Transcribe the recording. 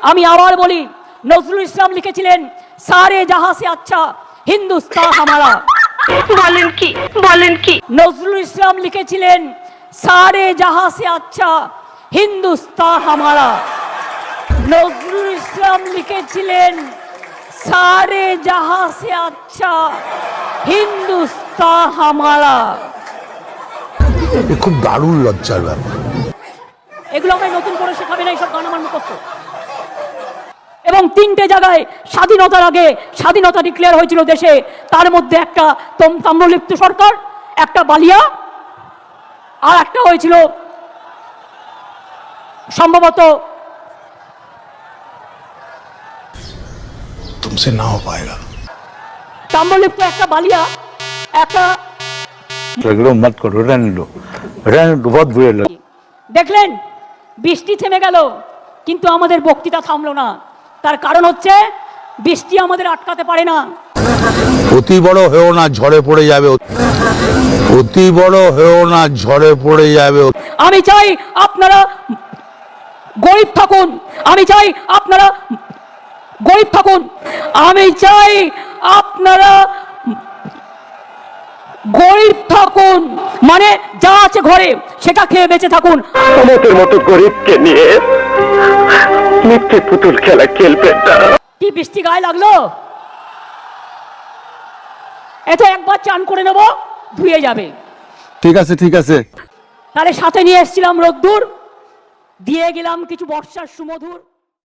আমি আবার বলি, নজরুল ইসলাম লিখেছিলেন সারে জাহাঁ সে আচ্ছা হিন্দুস্তান হামারা। বলেন কি নজরুল ইসলাম লিখেছিলেন সারে জাহাঁ সে আচ্ছা হিন্দুস্তান হামারা। নজরুল ইসলাম লিখেছিলেন সারে জাহাঁ সে আচ্ছা হিন্দুস্তান হামারা। খুব দারুণ লজ্জার ব্যাপার। এগুলো আমায় নতুন করে শেখাবে না, এইসব গান আমার মুখস্থ। এবং 3টে জায়গায় স্বাধীনতার আগে স্বাধীনতা ডিক্লেয়ার হয়েছিল দেশে, তার মধ্যে একটা তাম্রলিপ্ত সরকার, একটা বালিয়া, আর একটা হয়েছিল সম্ভবত तुमसे ना हो पाएगा। তাম্রলিপ্ত, একটা বালিয়া, একটা मत करो, रहने दो बहुत बुरे लगे। দেখলেন বৃষ্টি থেমে গেল কিন্তু আমাদের বক্তৃতা থামলো না। তার কারণ হচ্ছে বৃষ্টি আমাদের আটকাতে পারে না। অতি বড় হয়েও না, ঝড়ে পড়ে যাবে। অতি বড় হয়েও না, ঝড়ে পড়ে যাবে। আমি চাই আপনারা গরিব থাকুন, আমি চাই আপনারা গরিব থাকুন, আমি চাই আপনারা গরিব থাকুন, মানে যা আছে ঘরে সেটা খেয়ে বেঁচে থাকুন। আমাদের মতো গরিবকে নিয়ে মিথ্যে পুতুল খেলা খেলবেন না। কি বৃষ্টি গায়ে লাগলো? এত একবার চান করে নেব, ধুয়ে যাবে। ঠিক আছে ঠিক আছে। তাহলে সাথে নিয়ে এসেছিলাম রোদ্দুর, দিয়ে গেলাম কিছু বর্ষার সুমধুর।